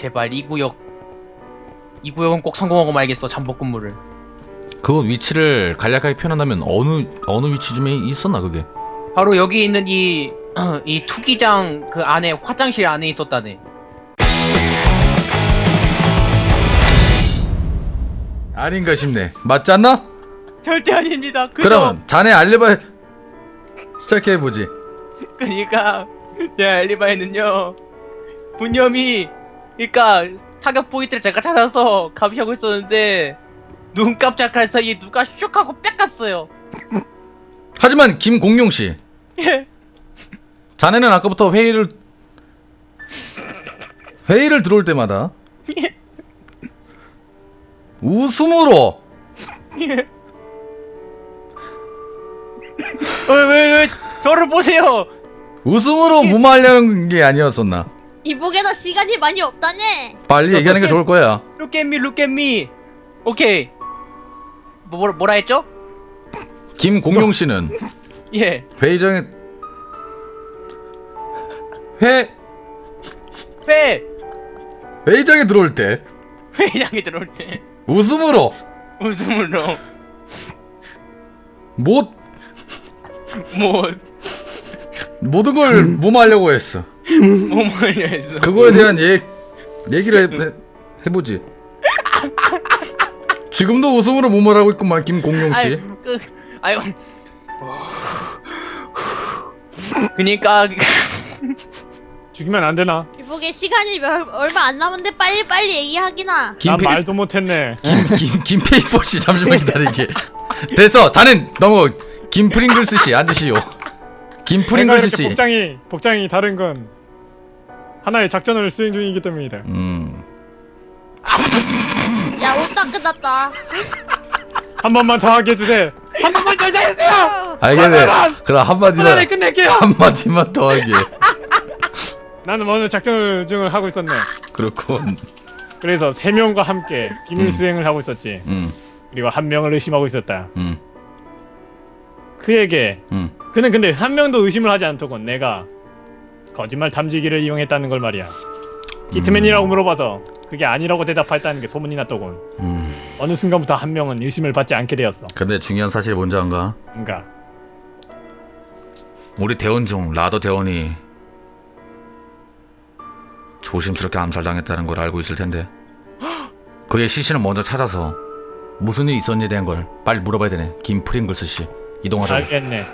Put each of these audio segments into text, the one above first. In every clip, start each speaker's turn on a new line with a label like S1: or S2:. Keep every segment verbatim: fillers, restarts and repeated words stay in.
S1: 제발 이 구역 이 구역은 꼭 성공하고 말겠어. 잠복 근무를.
S2: 그 위치를 간략하게 표현한다면 어느 어느 위치쯤에 있었나 그게?
S1: 바로 여기 있는 이 이 투기장 그 안에 화장실 안에 있었다네.
S2: 아닌가 싶네. 맞지 않나?
S1: 절대 아닙니다. 그저
S2: 그러면 자네 알리바이 시작해보지.
S1: 그니까 제 알리바이는요 분념이 그니까 타격 포인트를 제가 찾아서 감시하고 있었는데 눈 깜짝할 사이에 누가 슉 하고 빽 갔어요.
S2: 하지만 김공룡씨,
S1: 예.
S2: 자네는 아까부터 회의를 회의를 들어올 때마다
S1: 예.
S2: 웃음으로
S1: 예. 왜, 왜, 왜, 저를 보세요!
S2: 웃음으로 무마하려는 게 아니었었나?
S3: 이복에다 시간이 많이 없다네.
S2: 빨리 얘기하는 게 좋을 거야.
S1: Look at me, look at me! 오케이. 뭐, 뭐라, 뭐라 했죠?
S2: 김공룡씨는
S1: 예.
S2: 회의장에 회
S1: 회!
S2: 회의장에 들어올 때
S1: 회장에 들어올 때,
S2: 웃음으로
S1: 웃음으로,
S2: 못
S1: 뭐,
S2: 모든 걸 무마하려고 했어.
S1: 뭐 말려 했어.
S2: 그거에 대한 얘 얘기를 해, 해보지. 지금도 웃음으로 무마하고 있구만 김공룡씨.
S1: 아이, 그, 아유. 그니까,
S4: 죽이면 안 되나?
S3: 이복에 시간이 몇, 얼마 안 남았는데 빨리 빨리 얘기하기나.
S4: 난
S2: 김페
S4: 말도 못했네.
S2: 김김 김페이퍼씨 잠시만 기다리게. 됐어. 자넨 너무 김프링글스씨 앉으시오.
S4: 내가
S2: 김프링글스씨.
S4: 이렇게 복장이 복장이 다른 건 하나의 작전을 수행 중이기 때문이다.
S2: 음.
S3: 야, 옷 다 끝났다.
S4: 한 번만 더 하게 해주세요. 한 번만 더 해주세요.
S2: 알겠네. 그럼
S4: 하나에
S2: 한마디만
S4: 끝낼게요.
S2: 한마디만 더 하게.
S4: 나는 오늘 작전 중을 하고 있었네.
S2: 그렇군.
S4: 그래서 세 명과 함께 비밀
S2: 음.
S4: 수행을 하고 있었지.
S2: 음.
S4: 그리고 한 명을 의심하고 있었다.
S2: 음.
S4: 그에게
S2: 음.
S4: 그는 근데 한 명도 의심을 하지 않더군. 내가 거짓말 탐지기를 이용했다는 걸 말이야. 히트맨이라고 물어봐서 그게 아니라고 대답했다는 게 소문이 났더군.
S2: 음.
S4: 어느 순간부터 한 명은 의심을 받지 않게 되었어.
S2: 근데 중요한 사실이 뭔지 안가?
S4: 그러니까
S2: 우리 대원 중 라더 대원이 조심스럽게 암살당했다는 걸 알고 있을 텐데 그의 시신을 먼저 찾아서 무슨 일이 있었는지에 대한 걸 빨리 물어봐야 되네. 김프링글스 씨 이동하자.
S4: 알겠네.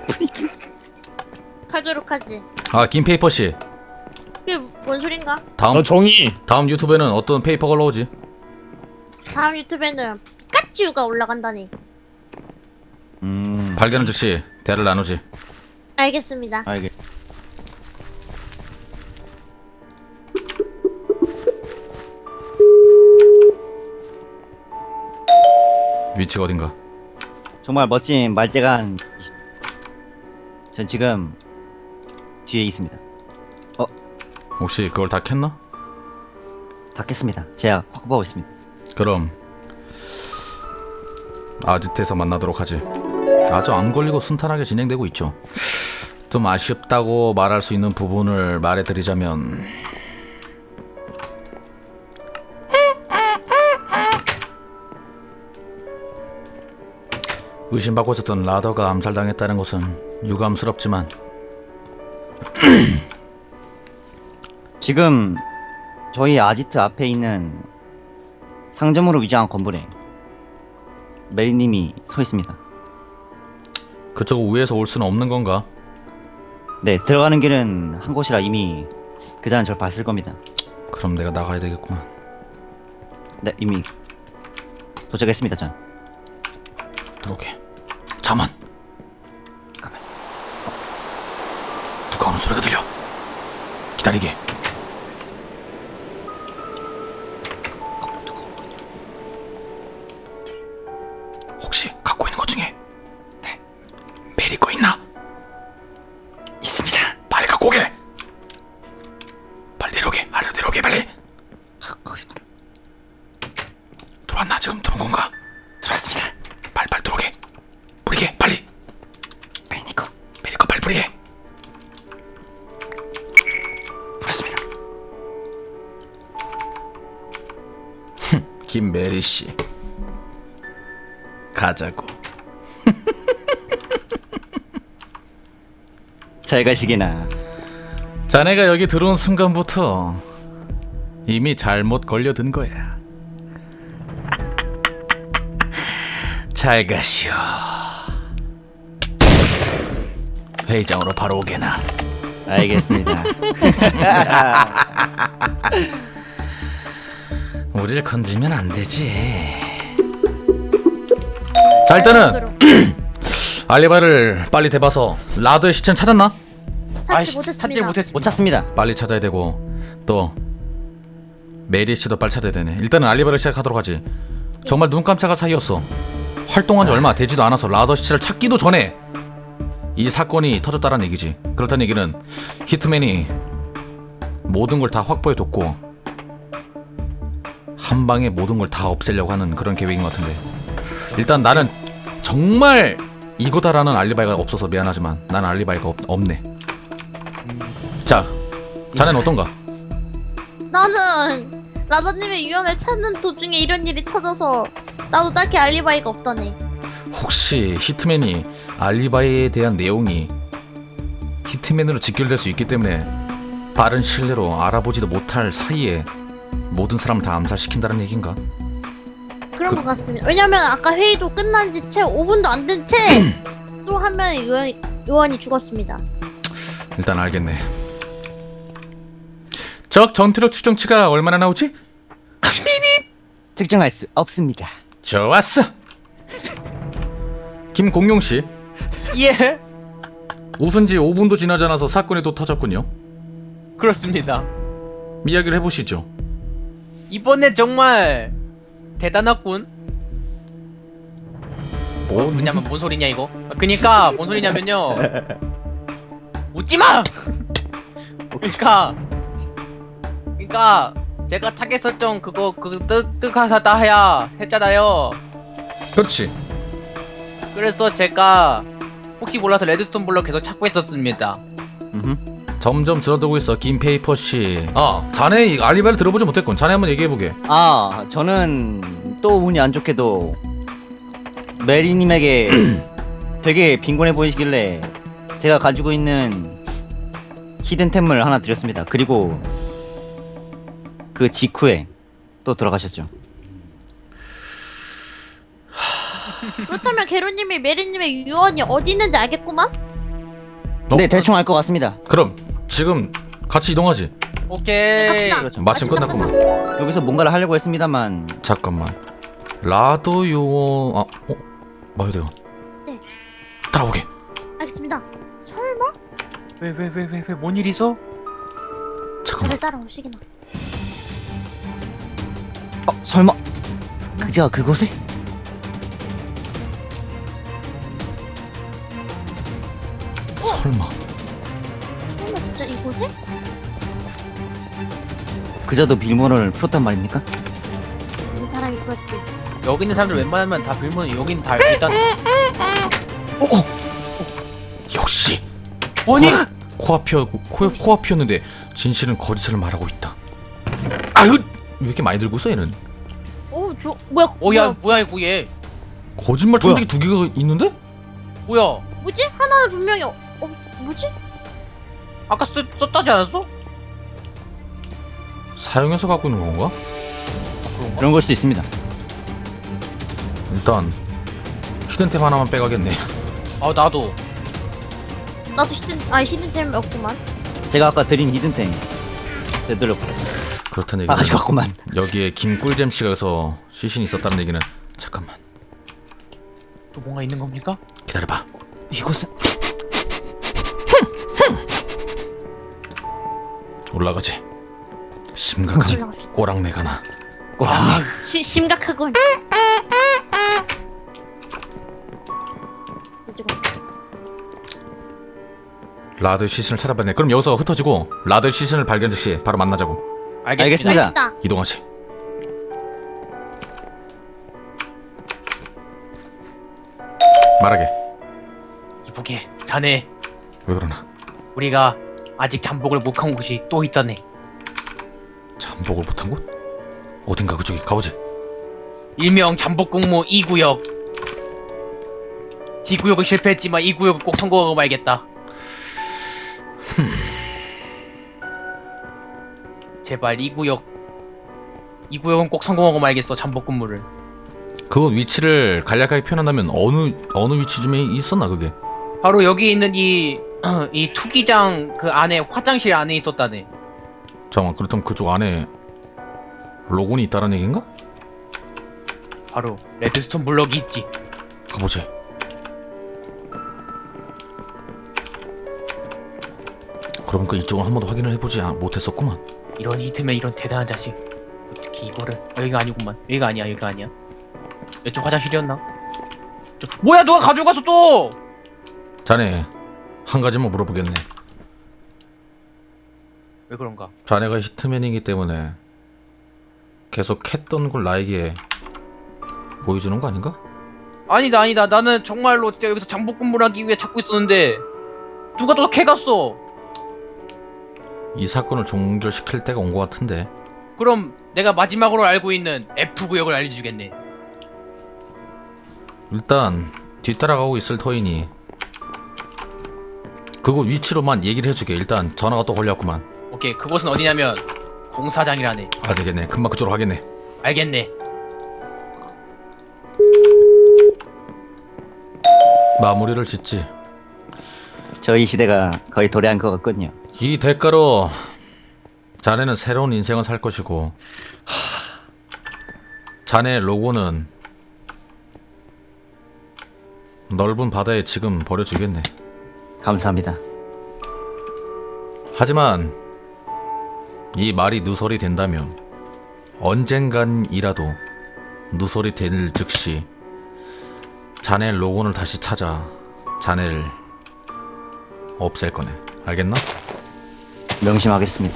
S3: 가도록 하지.
S2: 아 김페이퍼 씨
S3: 그게 뭔 소린가?
S2: 다음
S4: 너 종이
S2: 다음 유튜브에는 어떤 페이퍼가 올라오지?
S3: 다음 유튜브에는 피카츄가 올라간다니.
S5: 음.
S2: 발견한 즉시 대화를 나누지.
S3: 알겠습니다.
S5: 알겠.
S2: 위치가 어딘가?
S5: 정말 멋진 말재간. 전 지금 뒤에 있습니다.
S2: 혹시 그걸 다 캤나?
S5: 다 깼습니다. 제가 확보하고 있습니다.
S2: 그럼 아지트에서 만나도록 하지. 아주 안 걸리고 순탄하게 진행되고 있죠. 좀 아쉽다고 말할 수 있는 부분을 말해드리자면 의심받고 있었던 라더가 암살당했다는 것은 유감스럽지만
S5: 지금 저희 아지트 앞에 있는 상점으로 위장한 건물에 메리님이 서 있습니다.
S2: 그쪽 위에서 올 수는 없는 건가?
S5: 네, 들어가는 길은 한 곳이라 이미 그자는 절 봤을 겁니다.
S2: 그럼 내가 나가야 되겠구만.
S5: 네, 이미 도착했습니다, 전.
S2: 들어오게. 잠만.
S5: 가만.
S2: 누가 오는 소리가 들려. 기다리게. 혹시 갖고 있는 것 중에
S5: 네.
S2: 메리 거 있나?
S5: 있습니다.
S2: 빨리 갖고 오게. 빨리 내려오게. 아래로 내려오게 빨리.
S5: 아, 거기 있습니다.
S2: 들어왔나? 지금 들어온 건가?
S5: 들어왔습니다.
S2: 빨리 빨리 들어오게. 뿌리게 빨리.
S5: 메리니코
S2: 메리 거 빨리 뿌리게.
S5: 불었습니다.
S2: 김메리 씨 가자고.
S5: 잘 가시게나.
S2: 자네가 여기 들어온 순간부터 이미 잘못 걸려든 거야. 잘 가시오. 회의장으로 바로 오게나.
S5: 알겠습니다.
S2: 우릴 건드리면 안 되지. 자, 일단은 알리바이를 빨리 대봐서 라드의 시체는 찾았나?
S3: 찾지
S1: 아이씨, 찾지
S3: 못했습니다.
S1: 못했습니다.
S5: 못 찾습니다.
S2: 빨리 찾아야 되고 또 메리 씨도 빨리 찾아야 되네. 일단은 알리바이를 시작하도록 하지. 정말 눈 깜짝할 사이였어. 활동한 지 얼마 되지도 않아서 라더 시체를 찾기도 전에 이 사건이 터졌다는 얘기지. 그렇다는 얘기는 히트맨이 모든 걸 다 확보해뒀고 한 방에 모든 걸 다 없애려고 하는 그런 계획인 것 같은데, 일단 나는 정말 이거다라는 알리바이가 없어서 미안하지만 난 알리바이가 없, 없네. 자, 자네는 어떤가?
S3: 나는 라더님의 유언을 찾는 도중에 이런 일이 터져서 나도 딱히 알리바이가 없다네.
S2: 혹시 히트맨이 알리바이에 대한 내용이 히트맨으로 직결될 수 있기 때문에 빠른 시일 내로 알아보지도 못할 사이에 모든 사람을 다 암살시킨다는 얘기인가?
S3: 그런
S2: 그-
S3: 것 같습니다. 왜냐면 아까 회의도 끝난 지 채 오 분도 안 된 채 또 한 명의 요원, 요원이 죽었습니다.
S2: 일단 알겠네. 적 전투력 추정치가 얼마나 나오지?
S5: 측정할 수 없습니다.
S2: 좋았어. 김공룡씨,
S1: 예,
S2: 웃은 지 오 분도 지나지 않아서 사건이 또 터졌군요.
S1: 그렇습니다.
S2: 이야기를 해보시죠.
S1: 이번에 정말 대단했군.
S2: 뭐?
S1: 뭐냐면 뭔 소리냐 이거? 그니까 뭔 소리냐면요. 웃지 마. 그니까, 그니까 제가 타겟 설정 그거 그 뜻뜻하다 해야 했잖아요.
S2: 그렇지.
S1: 그래서 제가 혹시 몰라서 레드스톤 블럭 계속 찾고 있었습니다.
S5: 음흠.
S2: 점점 줄어들고 있어, 김페이퍼씨. 아, 자네 이 알리바이를 들어보지 못했군. 자네 한번 얘기해보게.
S5: 아, 저는 또 운이 안 좋게도 메리님에게 되게 빈곤해 보이시길래 제가 가지고 있는 히든템을 하나 드렸습니다. 그리고 그 직후에 또 돌아가셨죠.
S3: 그렇다면 게로님이 메리님의 유언이 어디 있는지 알겠구만?
S2: 어?
S5: 네, 대충 알 것 같습니다.
S2: 그럼 지금 같이 이동하지.
S1: 오케이.
S3: 갑시다.
S5: 그렇죠.
S2: 마침
S3: 마침
S2: 끝났구만.
S5: 여기서 뭔가를 하려고 했습니다만
S2: 잠깐만. 라더 요원. 아, 어? 마요대원.
S3: 네.
S2: 따라오게.
S3: 알겠습니다. 설마?
S1: 왜 왜 왜 왜 왜 뭔 일 있어?
S2: 잠깐만.
S3: 저를 따라오시기나.
S5: 어, 설마 그제가 그곳에?
S2: 설마.
S3: 설마 진짜 이곳에?
S5: 그저도 빌모를 풀었단 말입니까?
S3: 무슨 사람이 그랬지?
S1: 여기 있는 사람들 웬만하면 다 빌면 여긴 다 일단.
S2: 역시.
S1: 아니
S2: 코앞이었 코 코앞이었는데 진실은 거짓을 말하고 있다. 아유, 왜 이렇게 많이 들고 있어 얘는?
S3: 오, 저 뭐야?
S1: 오야 뭐야 이거 얘
S2: 거짓말 탐지기 두 개가 있는데?
S1: 뭐야?
S3: 뭐지? 하나는 분명히 어, 어 뭐지?
S1: 아까 썼, 썼다지 않았어?
S2: 사용해서 갖고 있는 건가?
S1: 그런가?
S5: 그런 걸 수도 있습니다.
S2: 일단 히든템 하나만 빼가겠네.
S1: 아 나도.
S3: 나도 히든 아 히든잼 없구만.
S5: 제가 아까 드린 히든템 되돌렸고요.
S2: 그렇다는
S5: 아,
S2: 얘기는
S5: 가져갔구만.
S2: 여기에 김꿀잼 씨가 여기서 시신이 있었다는 얘기는, 잠깐만
S1: 또 뭔가 있는 겁니까?
S2: 기다려봐.
S5: 이곳은
S2: 올라가지. 심각한
S3: 올라갑시다.
S2: 꼬랑내가 나.
S5: 꼬랑내.
S3: 시, 심각하군.
S2: 라드 시신을 찾아봤네. 그럼 여기서 흩어지고 라드 시신을 발견 즉시 바로 만나자고.
S1: 알겠습니다.
S5: 알겠습니다.
S3: 알겠다.
S2: 이동하지. 말하게.
S1: 이보게 자네
S2: 왜 그러나?
S1: 우리가 아직 잠복을 못한 곳이 또 있다네.
S2: 잠복을 못한 곳? 어딘가 그쪽에 가보지.
S1: 일명 잠복근무 이 구역. D 구역은 실패했지만 이 구역은 꼭 성공하고 말겠다. 제발 이 구역 이 구역은 꼭 성공하고 말겠어. 잠복근무를.
S2: 그 위치를 간략하게 표현한다면 어느 어느 위치쯤에 있었나 그게?
S1: 바로 여기 있는 이, 이 투기장 그 안에 화장실 안에 있었다네.
S2: 잠깐만, 그렇다면 그쪽 안에 로곤이 있다는 얘기인가?
S1: 바로 레드스톤 블럭이 있지.
S2: 가보지. 그러니까 이쪽은 한 번도 확인을 해보지 아- 못했었구만.
S1: 이런 히트맨 이런 대단한 자식. 어떻게 이거를 어, 여기가 아니구만. 여기가 아니야. 여기가 아니야. 이쪽 화장실이었나? 저, 뭐야 누가 가져갔어 또!
S2: 자네 한 가지만 물어보겠네.
S1: 왜 그런가?
S2: 자네가 히트맨이기 때문에 계속 했던 걸 나에게 보여주는 거 아닌가?
S1: 아니다 아니다. 나는 정말로 진짜 여기서 잠복근무를 하기 위해 찾고 있었는데 누가 또 캐갔어.
S2: 이 사건을 종결시킬 때가 온 것 같은데.
S1: 그럼 내가 마지막으로 알고 있는 F 구역을 알려주겠네.
S2: 일단 뒤따라가고 있을 터이니 그곳 위치로만 얘기를 해주게. 일단 전화가 또 걸렸구만.
S1: 오케이, 그곳은 어디냐면 공사장이라네.
S2: 아, 되겠네. 금방 그쪽으로 가겠네.
S1: 알겠네.
S2: 마무리를 짓지.
S5: 저희 시대가 거의 도래한 것 같군요.
S2: 이 대가로 자네는 새로운 인생을 살 것이고 자네의 로고는 넓은 바다에 지금 버려주겠네.
S5: 감사합니다.
S2: 하지만 이 말이 누설이 된다면 언젠간이라도 누설이 될 즉시 자네의 로고를 다시 찾아 자네를 없앨 거네. 알겠나?
S5: 명심하겠습니다.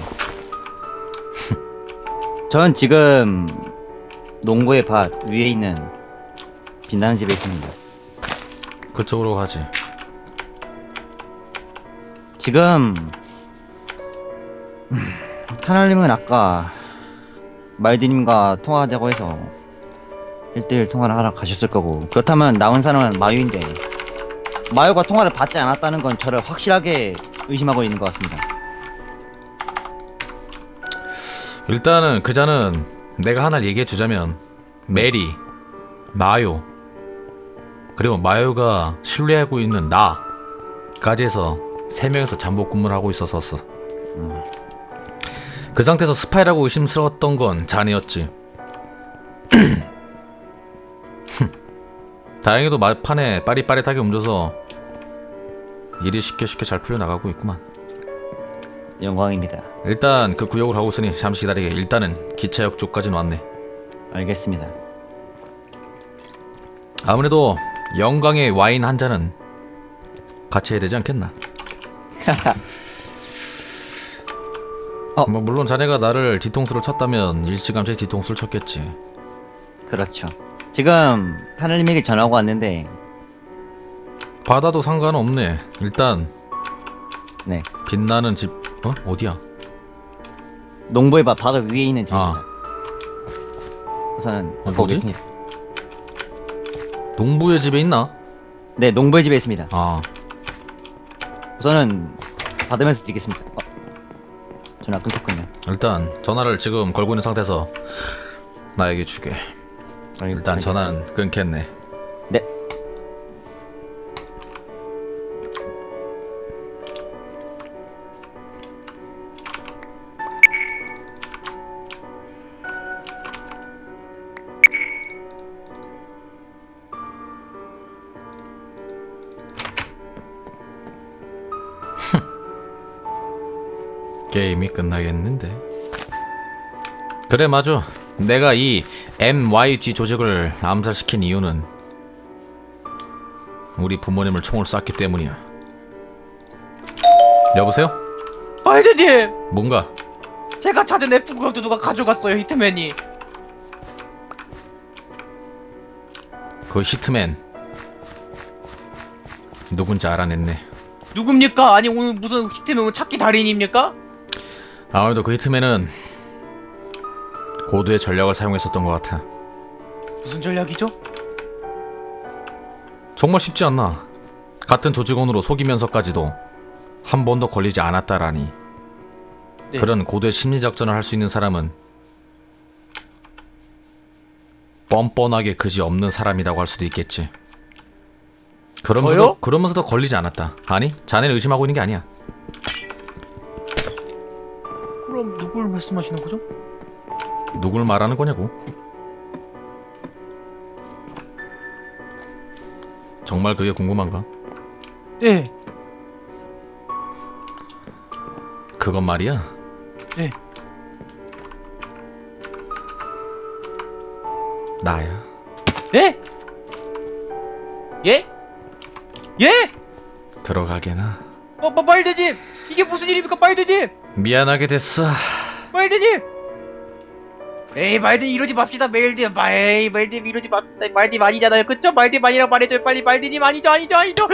S5: 전 지금 농구의 밭 위에 있는 빛나는 집에 있습니다.
S2: 그쪽으로 가지.
S5: 지금 타날님은 아까 말디님과 통화하자고 해서 일 대일 통화를 하러 가셨을 거고, 그렇다면 나온 사람은 마유인데 마유가 통화를 받지 않았다는 건 저를 확실하게 의심하고 있는 것 같습니다.
S2: 일단은 그자는 내가 하나 얘기해 주자면 메리, 마요, 그리고 마요가 신뢰하고 있는 나까지 해서 세 명에서 잠복 근무를 하고 있었었어.
S5: 음.
S2: 그 상태에서 스파이라고 의심스러웠던 건 자네였지. 다행히도 막판에 빠릿빠릿하게 움줘서 일이 쉽게 쉽게 잘 풀려나가고 있구만.
S5: 영광입니다.
S2: 일단 그 구역으로 가고 있으니 잠시 기다리게. 일단은 기차역 쪽까지는 왔네.
S5: 알겠습니다.
S2: 아무래도 영광의 와인 한 잔은 같이 해야 되지 않겠나?
S5: 어.
S2: 뭐 물론 자네가 나를 뒤통수를 쳤다면 일찌감치 뒤통수를 쳤겠지.
S5: 그렇죠. 지금 타날님에게 전화가 왔는데,
S2: 받아도 상관없네. 일단
S5: 네,
S2: 빛나는 집 어? 어디야?
S5: 농부의 밭 바로 위에 있는 집입니다.
S2: 아.
S5: 우선은
S2: 어, 뭐지?
S5: 보겠습니다.
S2: 농부의 집에 있나?
S5: 네, 농부의 집에 있습니다.
S2: 아,
S5: 우선은 받으면서 드리겠습니다. 어, 전화 끊겼군요.
S2: 일단 전화를 지금 걸고 있는 상태에서 나에게 주게.
S5: 알-
S2: 일단
S5: 알겠습니다.
S2: 전화는 끊겠네.
S5: 네.
S2: 게임이 끝나겠는데. 그래, 맞아. 내가 이 엠와이지 조직을 암살시킨 이유는 우리 부모님을 총을 쐈기 때문이야. 여보세요?
S1: 마이드님!
S2: 뭔가?
S1: 제가 찾은 F 구역도 누가 가져갔어요. 히트맨이.
S2: 그 히트맨 누군지 알아냈네.
S1: 누굽니까? 아니 오늘 무슨 히트맨 찾기 달인입니까?
S2: 아무래도 그 히트맨은 고도의 전략을 사용했었던 것 같아.
S1: 무슨 전략이죠?
S2: 정말 쉽지 않나. 같은 조직원으로 속이면서까지도 한 번도 걸리지 않았다라니.
S1: 네.
S2: 그런 고대 심리작전을 할 수 있는 사람은 뻔뻔하게 그지 없는 사람이라고 할 수도 있겠지. 그러면서도,
S1: 저요?
S2: 그러면서도 걸리지 않았다. 아니, 자네를 의심하고 있는 게 아니야.
S1: 그럼 누굴 말씀하시는 거죠?
S2: 누굴 말하는 거냐고. 정말 그게 궁금한가?
S1: 네.
S2: 그건 말이야.
S1: 네.
S2: 나야.
S1: 예? 예? 예?
S2: 들어가게나.
S1: 어, 마, 말대님! 이게 무슨 일입니까, 말대님!
S2: 미안하게 됐어.
S1: 말대님! 에이, 말대님 이러지 맙시다, 말대님. 마- 에이, 말대님 이러지 맙시다. 말대님 아니잖아요. 그쵸? 말대님 아니라고 말해줘요. 빨리 말대님 아니죠, 아니죠, 아니죠!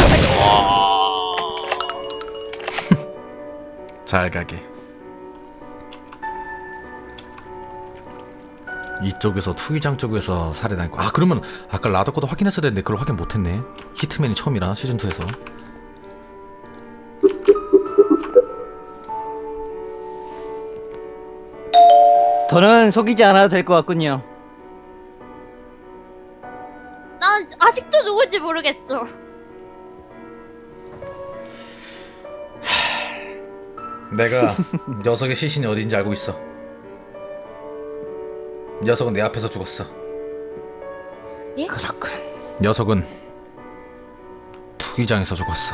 S2: 잘 가게. 이쪽에서 투기장 쪽에서 살해당했고, 아 그러면 아까 라더 거도 확인했어야 되는데 그걸 확인 못했네. 히트맨이 처음이라 시즌이에서.
S5: 더는 속이지 않아도 될 것 같군요.
S3: 난 아직도 누군지 모르겠어.
S2: 내가 녀석의 시신이 어딘지 알고 있어. 녀석은 내 앞에서 죽었어.
S3: 예?
S5: 그렇군.
S2: 녀석은 투기장에서 죽었어.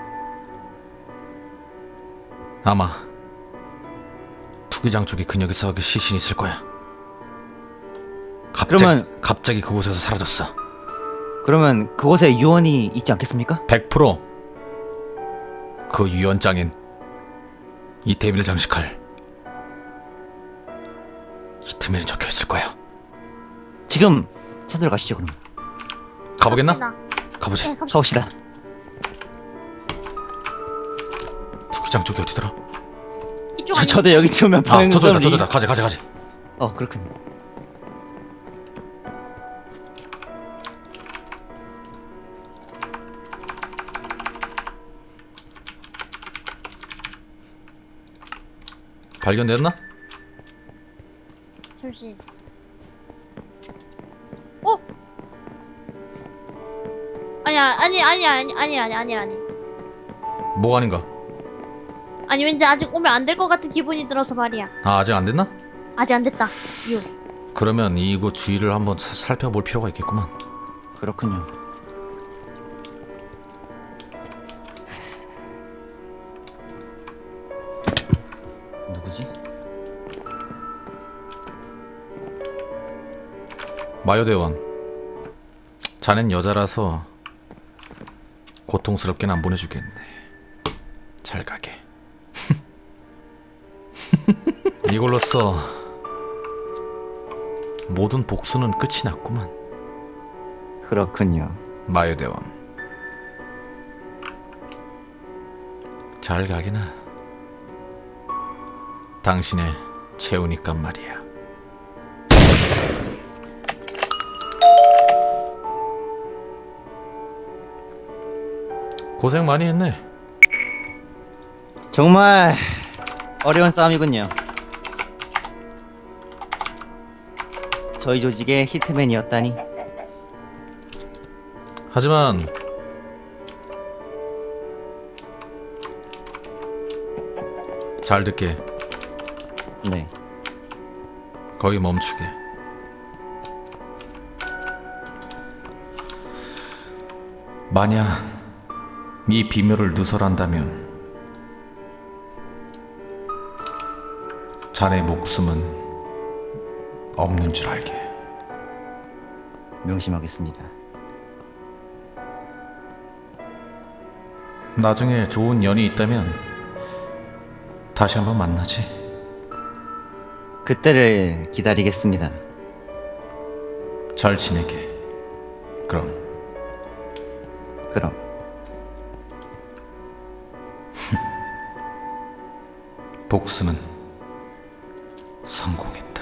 S2: 아마 투기장 쪽에 그 녀석의 시신이 있을 거야. 갑자기,
S5: 그러면-
S2: 갑자기 그곳에서 사라졌어.
S5: 그러면 그곳에 유언이 있지 않겠습니까?
S2: 백 퍼센트 그 유언장엔 이 데뷔를 장식할 히트맨이 적혀 있을 거야.
S5: 지금 찾으러 가시죠 그럼.
S2: 가보겠나?
S3: 갑시다.
S2: 가보자.
S3: 네, 갑시다.
S5: 가봅시다.
S2: 투기장 쪽이 어디더라?
S3: 이쪽
S5: 저,
S3: 아니
S5: 저도 여기 치우면
S2: 아,
S5: 방금
S2: 저쪽이다,
S5: 이-
S2: 저쪽이다. 가자, 가자, 가자.
S5: 어 그렇군요.
S2: 발견됐나?
S3: 잠시. 어? 아니야, 아니, 아니, 아니, 아니, 아니, 아니, 아니.
S2: 뭐가 아닌가?
S3: 아니 왠지 아직 오면 안 될 것 같은 기분이 들어서 말이야.
S2: 아, 아직 안 됐나?
S3: 아직 안 됐다. 유.
S2: 그러면 이곳 주위를 한번 사- 살펴볼 필요가 있겠구만.
S5: 그렇군요. 누구지?
S2: 마요대원, 자넨 여자라서 고통스럽게는 안 보내주겠네. 잘 가게. 이걸로써 모든 복수는 끝이 났구만.
S5: 그렇군요.
S2: 마요대원, 잘 가게나. 당신의 채우니까 말이야. 고생 많이 했네.
S5: 정말 어려운 싸움이군요. 저희 조직의 히트맨이었다니.
S2: 하지만 잘 듣게.
S5: 네.
S2: 거기 멈추게. 만약 이 비밀을 누설한다면 자네 목숨은 없는 줄 알게.
S5: 명심하겠습니다.
S2: 나중에 좋은 연이 있다면 다시 한번 만나지.
S5: 그때를 기다리겠습니다.
S2: 잘 지내게. 그럼.
S5: 그럼.
S2: 복수는 성공했다.